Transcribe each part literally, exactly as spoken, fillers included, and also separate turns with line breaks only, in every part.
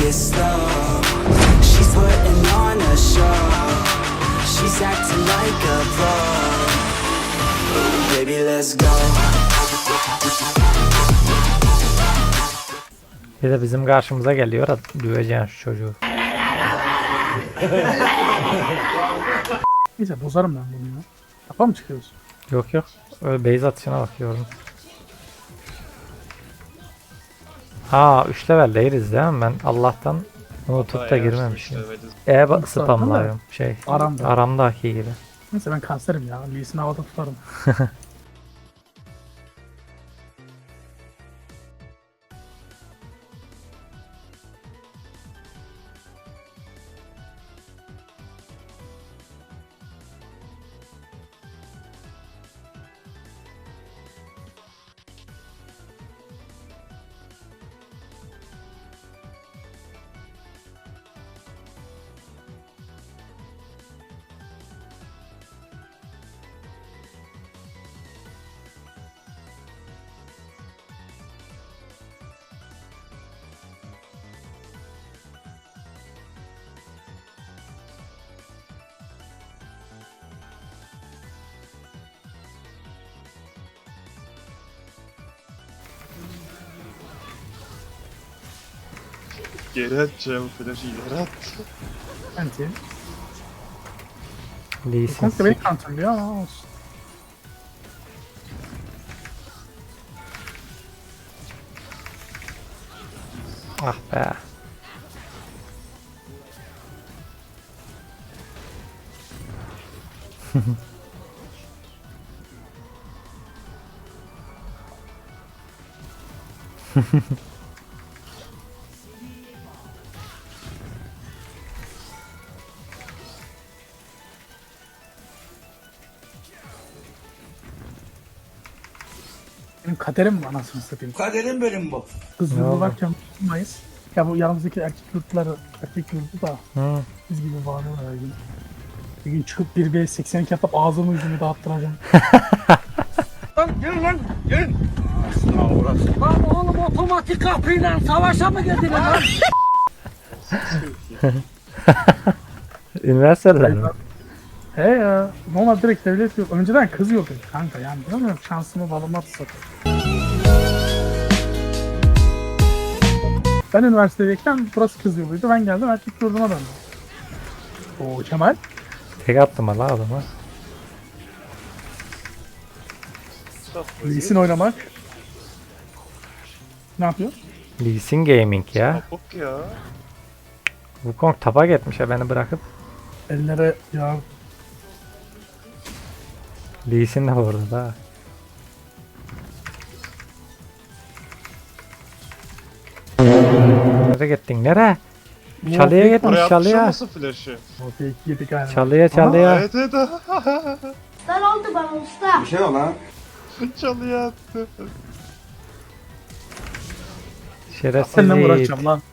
it slow. She's putting on a show. She's acting like a pro. Ooh, baby, let's go.
Bir de bizim karşımıza geliyor. Döveceğim şu çocuğu.
Neyse bozarım ben bunu ya. Kafa mı çıkıyoruz?
Yok yok. Öyle base atışına bakıyorum. Ha üç level değiliz değil mi? Ben Allah'tan unutup da girmemişim. E bak spamlıyorum. Şey.
Aramda.
Aramdaki gibi.
Neyse ben kanserim ya. Lee'sini havada tutarım.
Geri atacağım flash'ı geri at.
Anti.
Lee'sin.
Komple beni counterlıyor ama olsun.
Ah be.
Benim kaderim bu anasını satayım.
Kaderim benim bu.
Ne
Kızlı
oldu?
varken tutmayız. Ya bu yanımızdaki erkek yurtları, erkek yurdu da
Hı.
biz gibi bağırıyorlar her gün. Bir gün çıkıp bir v seksen iki atıp ağzımı yüzümü dağıttıracağım.
Lan gelin lan gelin. Aslına uğraşsın.
Lan oğlum otomatik kapıyla savaşa mı girdin lan?
Üniversiteler mi?
He ya. Normal direkt devlet yok. Önceden kız yok kanka yani. Bilmiyorum şansımı balıma satayım. Ben üniversitedeyken burası kız yoluydu. Ben geldim erkek yurduna döndüm. Oo Kemal.
Tek attım Allah adama.
Lee'sin oynamak. Ne yapıyor?
Lee'sin Gaming ya.
Kapok ya.
Wukong tapa gitmiş ya beni bırakıp.
Ellere ya
Lee'sin de orada da. Nereye gittin? Nereye? Çalıya gitmiş
Oraya
çalıya.
atmışsın flash'ı.
o fake yedik galiba.
Çalıya çalıya.
Evet evet.
Usta ne oldu bana usta?
Bir şey yok lan.
Çalıya attı.
Şerefsiz
Seninle mi
Yiğit.
uğraşacağım lan?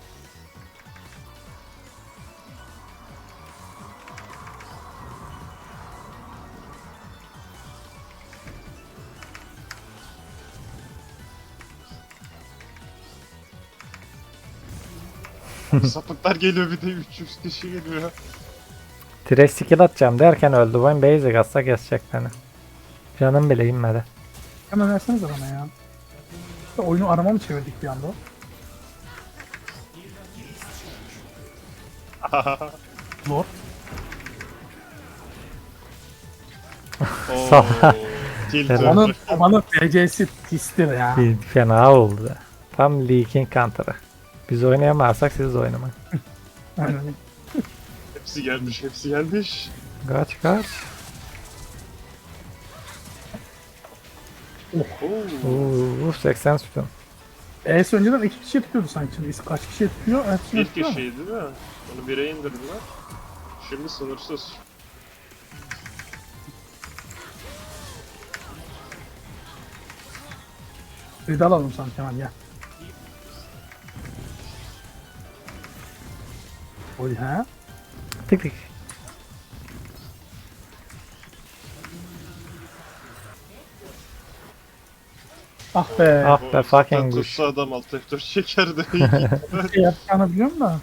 Sapıklar geliyor bir de üç yüz kişi geliyor.
Trash skill atacağım derken öldü. Ben basic atsa kesecek beni. Canım bile inmedi.
Hemen versenize bana ya. İşte oyunu arama mı çevirdik bir anda? Lord.
Ooo. Tilt
Evet.
Onun,
öldü.
onun D C'si pistir ya.
Bir fena oldu. Tam Leaking counter'ı. Biz oynayamazsak siz oynamayın.
Aynen.
Hepsi gelmiş hepsi gelmiş.
Kaç kaç.
Oo.
Uuu seksen sütun.
E'si önceden iki kişi tutuyordu sanki. Şimdi kaç kişi tutuyor? Hepsini
Bir
tutuyor mu?
kişiydi değil mi? Onu bire indirdiler. Şimdi sınırsız.
Bir de alalım sanki hemen gel. Oy ha?
Tık tık.
Ah be.
Ah be
O
fucking
tutsa
güç.
adam alt F dört çeker de.
Bir şey yapacağını biliyorum da.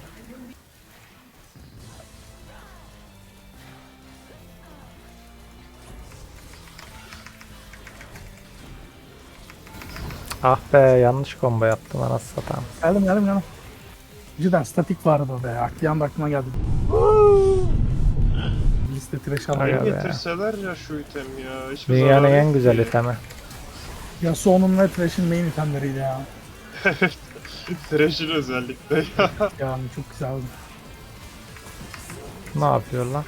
Ah be yanlış combo yaptım anasını satayım.
Geldim geldim geldim. Cidden statik vardı o be. Aklı anda aklıma geldi. Liste trash
Aga
alıyor.
be.
Getirseler ya şu item ya. Hiçbir
Dünyanın
zararı
en
yok
güzel
ki.
itemi.
Yasuo'nun ve Thresh'in main itemleriydi ya.
Thresh'in özellikle ya.
Yani çok güzeldi.
Ne yapıyor lan?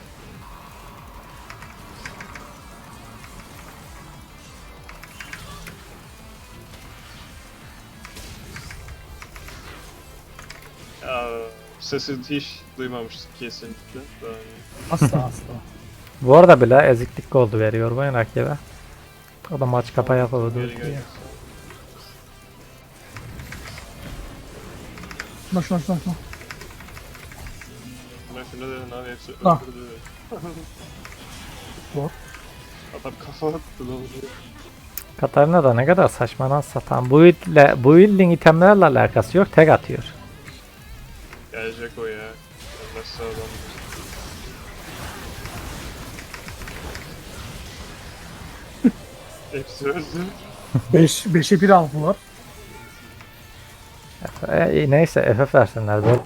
Ya sesini hiç duymamıştık kesinlikle. Daha iyi.
Asla asla.
Bu arada bile eziklik goldu veriyor bu rakibe. O da maç kapa yapamadı.
Geri gel.
Şuna şuna şuna şuna.
Ben şunu dedin abi hepsi
Ah.
öldürdü.
Zor.
Adam kafa attı lan.
Katarina da ne kadar saçma lan satan. Bu ile bu building itemlerle alakası yok, tek atıyor.
Gelecek o ya. Nasıl adam. Hepsi öldü.
beş beşe bir aldılar.
E, neyse F F versinler böyle.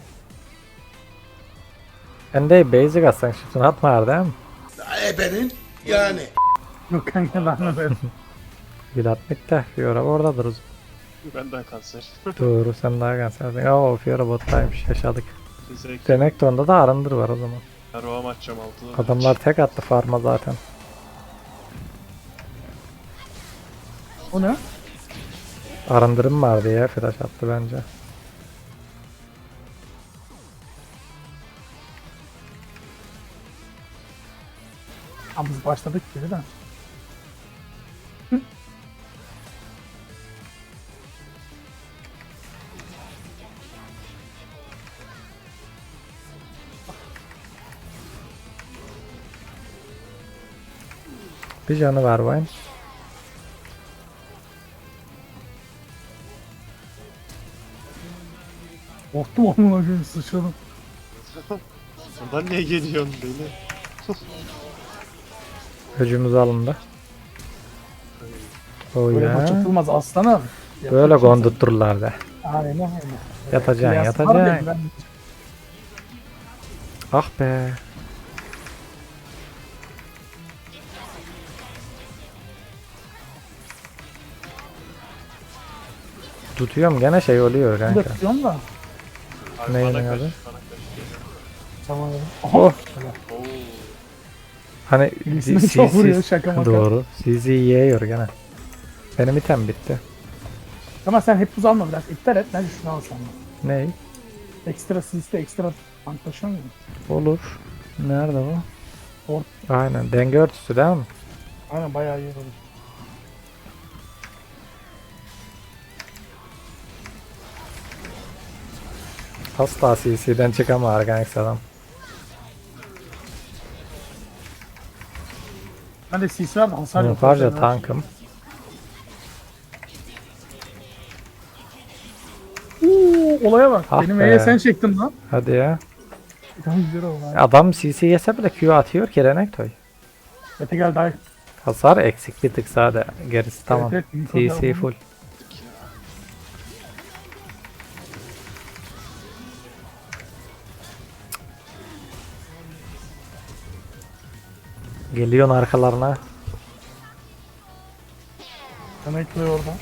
Ben de basic atsan şutunu atma değil mi?
Ebenin yani.
Yok kanka ben de
Vlad bitti. Fiora oradadır uzun.
Benden kanser.
Doğru sen daha kansersin. Oo Fiora bottaymış yaşadık.
Bize
Renekton'da da arındır var o zaman.
roam atacağım altıda.
Adamlar tek attı farma zaten.
O ne?
Arındırım var diye flash attı bence.
Ama biz başladık gibi de.
Bir canı var Vayne.
Korktum onun öyle sıçradım.
Ondan niye geliyorsun beni?
Öcümüz alındı. Oh
Böyle maç
ya.
atılmaz aslanım.
Böyle gondutturlar da.
Aynen öyle.
Yatacaksın
Kıyas var
yatacaksın.
ya, ben-
Ah be. Tutuyorum gene şey oluyor
Ben de
kanka.
tutuyorum da.
Abi
Neyin
bana
adı?
kaç, bana kaç.
Tamam.
Oh.
Oo.
Hani
Birisine
C-
çok vuruyor,
C-
şaka maka.
Doğru. C Z yiyor gene. Benim item bitti.
Ama sen hep buz alma biraz. İptal et. Ben şunu alsam.
Ney?
Ekstra siste ekstra tank taşıyor muyum?
Olur. Nerede bu?
Or-
Aynen. Denge örtüsü değil mi?
Aynen bayağı iyi olur.
Asla C C'den çıkamıyor kanka adam.
Ben de sis var da hasar yok.
Harca
Hasar var.
tankım.
Uuu olaya bak.
Ah
Benim
be.
E'ye sen çektin lan.
Hadi ya.
Tamam güzel oldu. abi.
Adam C C yese bile Q atıyor ki Renektoy.
Mete gel daha.
Hasar eksik bir tık sade. Gerisi tamam.
evet, büyük
C
hasar
C
oldu.
full. Geliyorsun arkalarına.
Demek ki orada.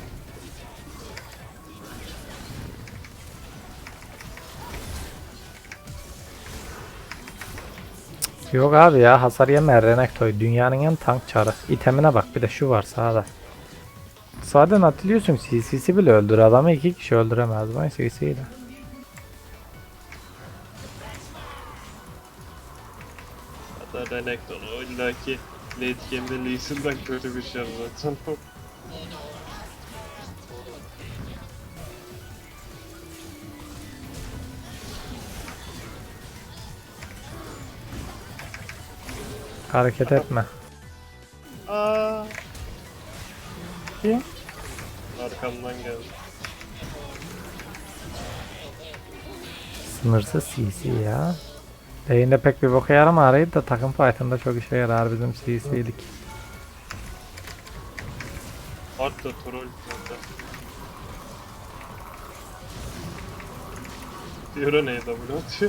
Yok abi ya hasar yeme Renektoy. Dünyanın en tank çarı. İtemine bak bir de şu var sağda. Sağdan atılıyorsun C C'si bile öldür adamı iki kişi öldüremez ben C C'yle.
Hatta Renekton o illaki late game'de Lee Sin'den kötü bir şey zaten.
Hareket etme.
Aa.
Ki
Arkamdan geldi.
Sınırsız C C ya. Lane'de pek bir boka yaramıyor da takım fight'ında çok işe yarar bizim C C'lik.
Art da troll zaten. Fiora neye W atıyor?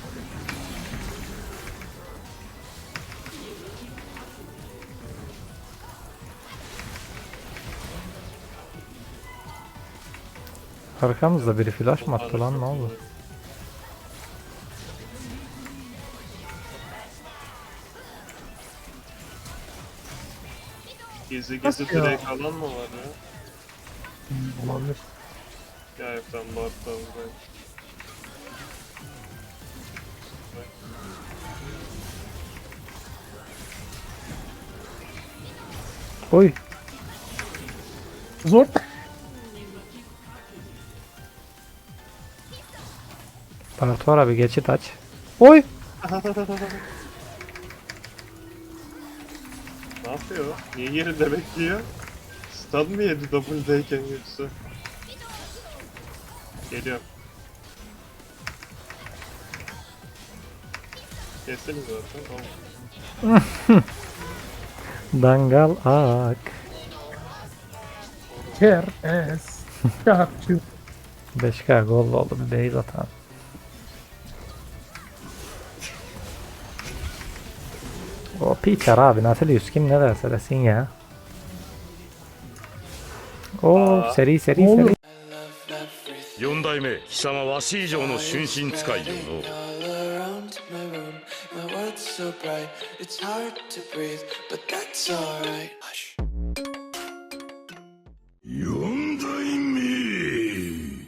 Arkamızda biri flash mı attı lan, ne oldu?
Gizli gizli
Nasıl ya?
direkt alan mı var ya?
Hmm, olabilir.
Ya yok lan Bart da buradayım.
Oy.
Zor.
Bartora bir geçit aç. Oy.
Ne yapıyor? Niye yerinde bekliyor? Stun mı yedi W'deyken yoksa? Geliyorum. Kesiniz zaten. Tamam.
Dangal ak.
Ker es. Çarpçı.
beş K gol oldu bir base atan. O Peter abi Nautilus kim ne derse desin ya. O
Aa.
seri seri
Ne oluyor?
seri.
四代目貴様わし以上の春心使いよの
all around my room. My world's so bright, it's hard to breathe, but that's alright.